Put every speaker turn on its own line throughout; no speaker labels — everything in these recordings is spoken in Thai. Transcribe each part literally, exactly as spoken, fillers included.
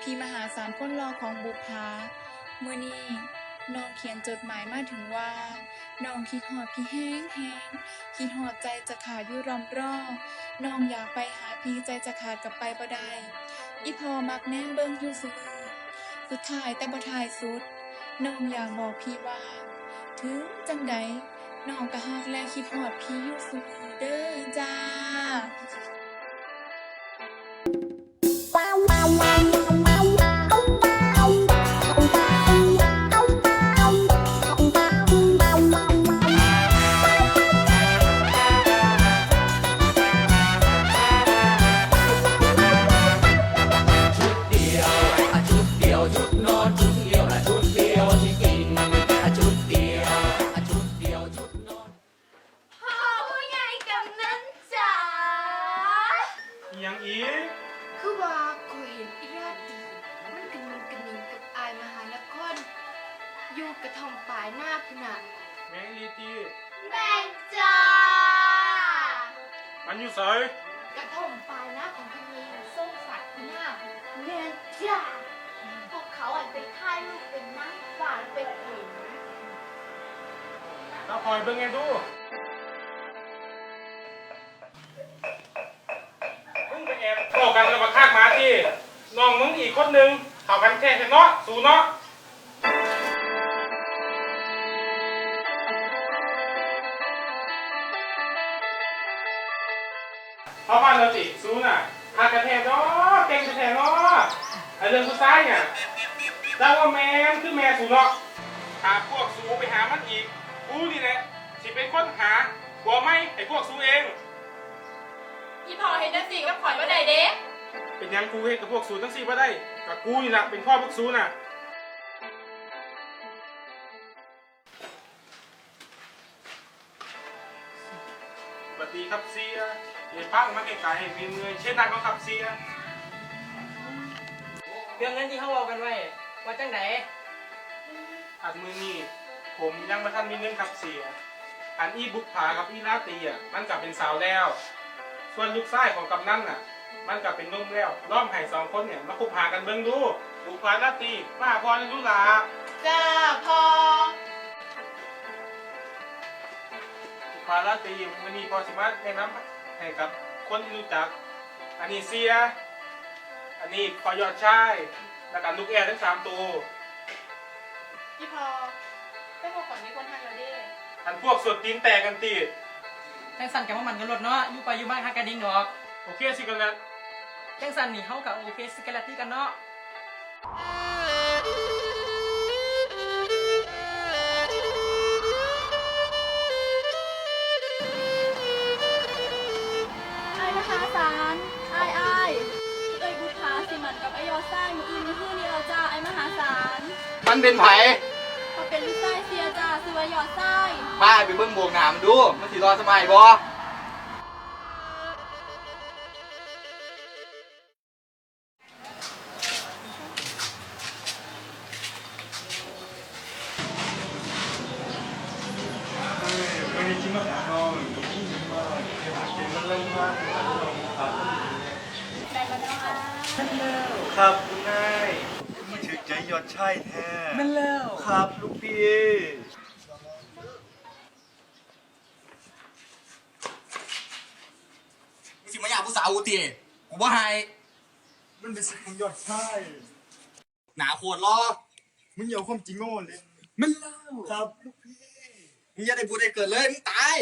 พี่มหาศาลคนรอของบุพภาเมื่อนี้น้องเขียนจดหมายมาถึงว่าน้องคิดฮอดพี่แห้งแห้งคิดฮอดใจจะขาดอยู่รำรอน้องอยากไปหาพี่ใจจะขาดกับไปบ่ได้อีพอมักแนมเบิ่งอยู่ซุมื้อสุดท้ายแต่บ่ท้ายสุดน้องอยากบอกพี่ว่าถึงจังใดน้องก็ฮักและคิดฮอดพี่อยู่ซุมื้อเด้อจ้า
ยังอีก
คือว่าข่อยเห็นอีราตีมันกระนิงกระนิงกับอายมหานครอยู่กระท่อมปลายหน้าพุ่นน่ะ
แมงลีตี
แม่นจ้า
มันอยู่ไส
กระท่อมปลายหน้าของพี่นีส้มสัตว์หน้าแม่นจ้าพวกเขาอ่ะไปถ่ายรูปเป็นนั่งฝ่าแล้วไปเห็น
ถ้าคอยเบิ่งไงดูมึงไปแอบเข้ากันกับบักคากหมาที่น้องมึงอีกคนนึงเข้ากันแค่เนาะสู่เนาะเข้าบ้านเราสิสู้น่ะหากระแทกเนาะเก่งกระแทกเนาะไอเรื่องผู้ชายเนี่ยเจ้าว่าแม่นคือแม่สู่เนาะหาพวกสู้ไปหามันอีกกูนี่แหละสิเป็นคนหาหัวไม่ไอพวกสู้เอง
อีพอเห็นจังสิกับข่อยบ่ได้เด้
เป็นยังกูเฮ็ดกับพวกสูตั้งสี่บ่ได้กับกูนี่ล่ะเป็นพ่อพวกสูน่ะสวัสดีครับเสียเดี๋ยวพังมาไกลๆให้มีเงยเช่นนั้นก็ครับเสีย
เรื่องเงินที่เขาบอกกันไว้ว่าจังได
อันมือนี่ผมยังไม่ทันมีเงินครับเสียอันอีบุกผากับอีลาตีอ่ะมันกลับเป็นสาวแล้ว ส่วนลูกชายของกำนันน่ะมันกลับเป็นนุ่มแล้วล้อมให้สองคนเนี่ยมาคบหากันเบิ่งดูบุกผาลาตีมาพอในดูลา
จ้าพอ
บุกผาลาตีมันนี่พอสามารถแนะนำให้กับคนที่รู้จักอันนี้เสียอันนี้พอยอดชายแล้วก็ลูกแอร์ทั้งสามตัว
อีพอแต่พอข่อยมีคนทักแล้วเด้
อันพวกสุดตีนแตกกันตี
จังสันกับมันกันรถเนาะอยู่ไปอยู่บ้านฮักกันดิ้งดอก
โอเคสิกันแล้ว
จังสันนี่เขากับโอเคสเกลตี้กันเนาะ
ไอ้มหาศาลไอ้ไอ้เอ้ยบุพภาสิมันกับไอ้ยอไส้มืออื่นมือฮื้อนี่เราจ้าไอ้มหาศาล
มันเป็นไผ
เขาเป็นลูกไส้เสียจ้าซื้อไว้ยอไส้
พาไปเบิ่งโบกหนามันดู มันสิรอสมัยบ่
ไม่ได้คิดมาหาน้องยิ่งมากเป็นเรื่องมากครับ
ได้มาแล้วอ่ะ
ครับคุณนายมาถึกใจยอดชายแท้
แม่นแล้ว
ครับลูกพี่
มึงสิมาอยากผู้สาวกูติกูบ่ให้
มันเป็นสิ่งของยอดชาย
หนาโคตรรอ
มึงอย่าเอาความจริงโง่เลย
มันแล้ว
ครับลูกพี่
มึงอย่าได้พูดได้เกิดเลยมึงตาย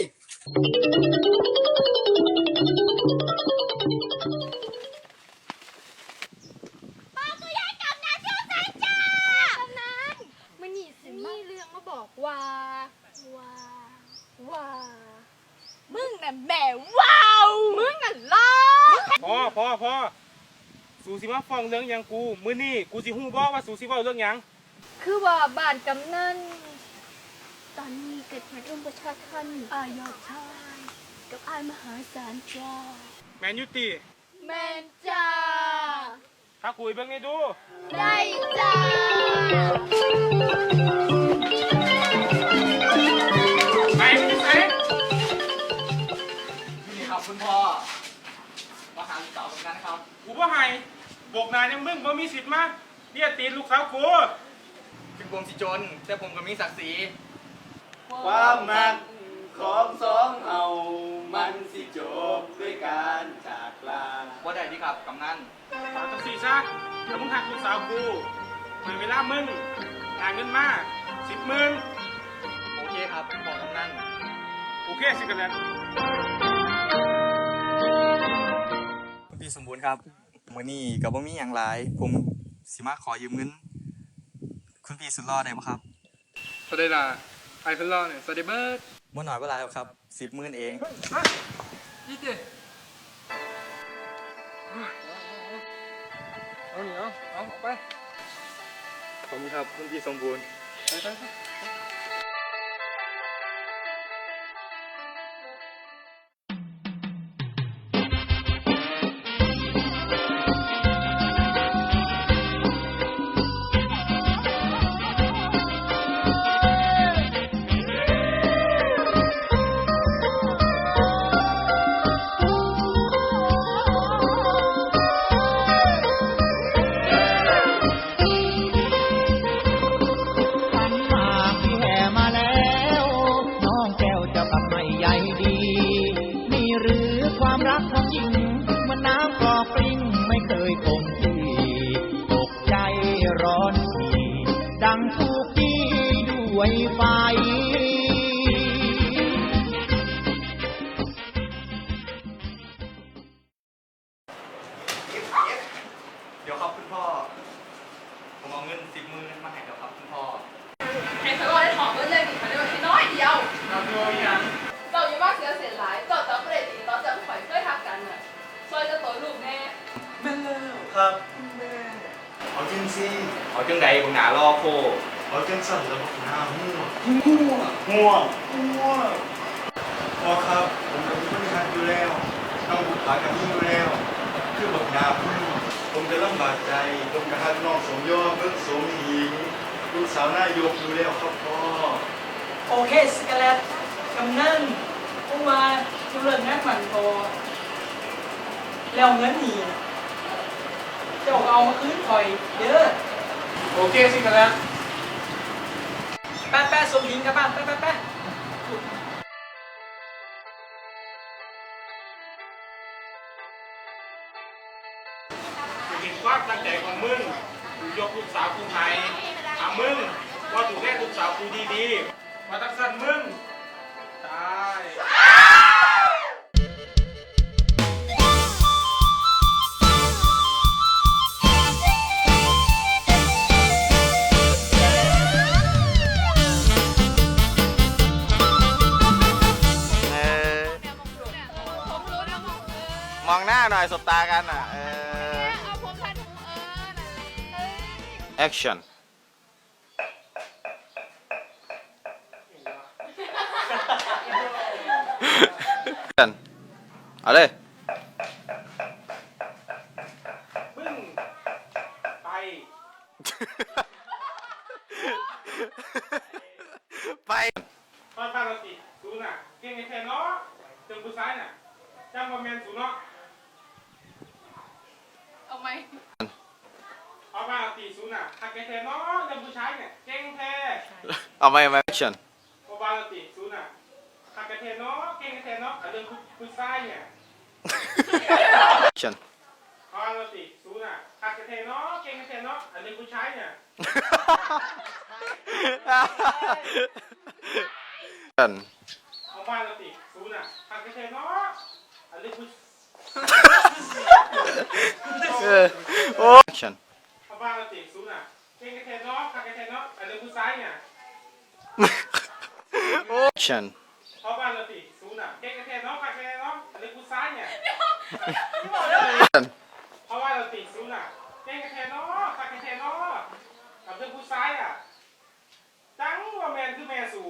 มันนี่สิมีเรื่องมาบอกว่าว่าว่า
มึงน่ะแม่ว้าว
มึงน่ะล้อ
พอพอพอสูสิมาฟ้องเรื่องหยังกูมื้อนี้กูสิฮู้บ่ว่าสูสิเว้าเรื่องหยัง
คือว่าบ้านกำนันตอนนี้เกิดเหตุรุมประชาทัน
อายอดชายกับไอ้มหาศาลจ้า
แมนยูติ
แม่นจ้า
ถ้าคุยเบิ่งให้ดู
ได้จ้า
ไหนมันอยู่ไหน
นี่ครับคุณพ่อ มาหาสาวตรงนั้นครับ
กูบ่ให้บอกนายยังมึงบ่มีสิทธิ์มาเรียกตีนลูกสาวกู
ถึงผมสิจน แต่ผมก็มีศักดิ์ศรี
ความมักของสองเฮามันสิจบด้วยการจากลา
ว่าได้ที่ครับกำนัน
เอาจังสี่ซะถ้ามึงหักลูกสาวกูในเวลามึงหาเงินมาสิบหมื่น
โอเคครับบอกกำนัน
โอเคสิกันแล้ว
คุณพี่สมบูรณ์ครับมื้อนี้ก็บ่มีหยังหลาย ผมสิมาขอยืมเงิน คุณพี่สุดหล่อได้บ่ครับ
สวัสดีล่ะไอ้เพิ่นรอเนี่ยสวัสดีเบิร์ด
บ่น้อยบ่หลายหรอกครับสิบหมื่นเอง
ยี่สิเอาเหนียวเอาออกไป
ขอบคุณครับคุณพี่สมบูรณ์
ไปไปไป
ขันหมากที่แห่มาแล้ว น้องแก้วจะทำให้ใหญ่ดี นี่หรือความรักของหญิงเหมันน้ำกรอกปริงไม่เคยคงที่ตกใจร้อนทีดังถูกดีด้วยไฟ
เดี๋ยวครับคุณพ่อ ผมเอาเงินสิบหมื่นมาให้แล้วครับคุณพ่อ
ให้เขาได้ถอดเงินเลยดิเขาได้แค่น้อยเดียว
เอาตัวอย่าง
เราอย่ามาเสียเสียหลายต่อจากประเด็นนี้ต่อจากข่อยเคยทักกันน่ะซอยจะตัวลูกแน่
ครับเอาจังสิ
เอาจังใดผมหนารอโพ
เอาจังสั่นแล้วบอกหน้าหัวหัวหัวหัวพอครับ ผมกับพี่ทักอยู่แล้วต้องบุกผากับพี่อยู่แล้ว คือบอกหน้าพี่ผมจะลำบากใจ ผมกับฮักน้องสมยอเบิ่งสมหญิงลูกสาวนายกอยู่แล้วครับพ่อ
โอเคสกาเลตกำนันผู้มาจุเลินงานหมันพอแล้วเงินนี่เจ้าเอามาคืนคอยเด้อ
โอเคสิกันแล้ว
แป๊ะแป๊ะสมหญิงกลับบ้านแป๊ะแป๊ะแป๊ะ
เห็นความตั้งใจของมึงกูยกลูกสาวกูให้ถามมึงว่าถูกแลลูกสาวกูดีๆมาตักสั่นมึงตาย
มองหน้าหน่อยสบตากันอ่ะ เออ action กันเอาเลย
มึงไป
ไป
ตอนปกติสูน่ะเก่งในแทนเนาะจนกูซ้ายน่ะจำว่าแมนสูเนาะ
เอาไหม
เอาปกติสูน่ะหักในแทนเนาะจนกูใช้เนี่ยเก่งแท้
เอาไหมเอาไหม action
เอาปกติสูน่ะหักในแทนเนาะเก่งในแทนเนาะแต่เรื่องกูกูซ้ายเนี่ย
action
เอาปกติสูน่ะหักในแทนเนาะเก่งในแทนเนาะแต่เรื่องกูใช้เนี่ย
กัน
เอาปกติสูน่ะหักในแทนเนาะแต่เรื่องกู
เออโอ้ action
เอาปกติสูน่ะเก่งในแทนเนาะหักในแทนเนาะแต่เรื่องกูซ้ายเนี่ย
action
เพราะบ้านเราติสูน่ะเก่งกระเทนเนาะใครกระเทนเนาะอันนี้กูซ้ายเนี่ยเพราะว่าเราติสูน่ะเก่งกระเทนเนาะใครกระเทนเนาะกับเรื่องกูซ้ายอ่ะจังว่าแมนคือแมนสู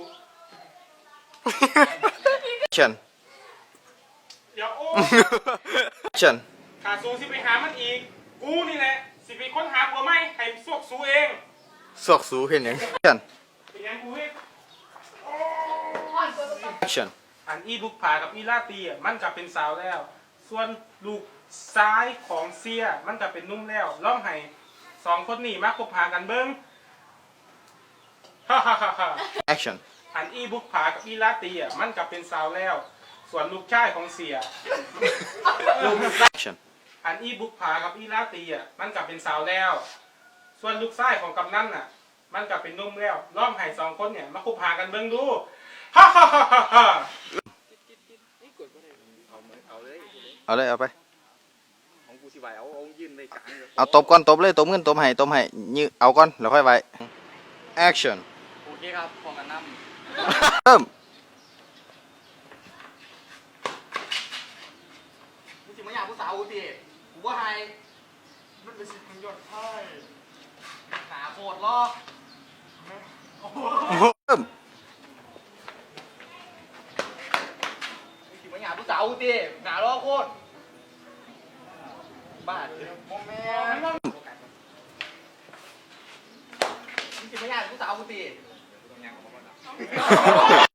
action
เดี๋ยวโอ้
action
ขาสูสิไปหามันอีกกูนี่แหละสิไปค้นหาผัวไหมให้สวกสูเอง
สอกสูเห็นยัง action
เป็นยังกูเฮ็ด
อ่อนกว่าตัว
action
อันอีบุกผากับอีลาตีอ่ะมันกลับเป็นสาวแล้ว ส่วนลูกซ้ายของเสียมันก็เป็นนุ่มแล้วล่องให้สองคนนี้มาคบหากันเบิ้งฮ่าฮ่าฮ่าฮ่า
action
อันอีบุกผากับอีลาตีอ่ะมันก็เป็นสาวแล้ว ส่วนลูกชายของเสีย
action
อันอีบุกผากับอีลาตีอ่ะมันก็เป็นสาวแล้ว ส่วนลูกชายของกำนันน่ะ มันก็เป็นนุ่มแล้วล่องให้สองคนเนี่ยมาคบหากันเบิ้งดูฮ่าฮ่าฮ่าฮ่าฮ่า
เอาเลยเอาไป
ของกูสิไหวเอาเอายืนในกลางเลย
เอาตบก่อนตบเลยตบเงินตบให้ตบให้ยืเอาก่อนแล้วค่อยไว้ action
โอเคครับพอกันน้ำ
เริ่ม
มึงสิมาอยากผู้สาวกูติกูว่าไฮมันเป็นสิ่งประโยชน์ใช่หนาโคตรล้อ
เริ่ม
มึงสิมาอยากผู้สาวกูติหนาล้อโคตรบ้าเดี๋ยวโมแม่มึงสิมาอยากผู้สาวกูติ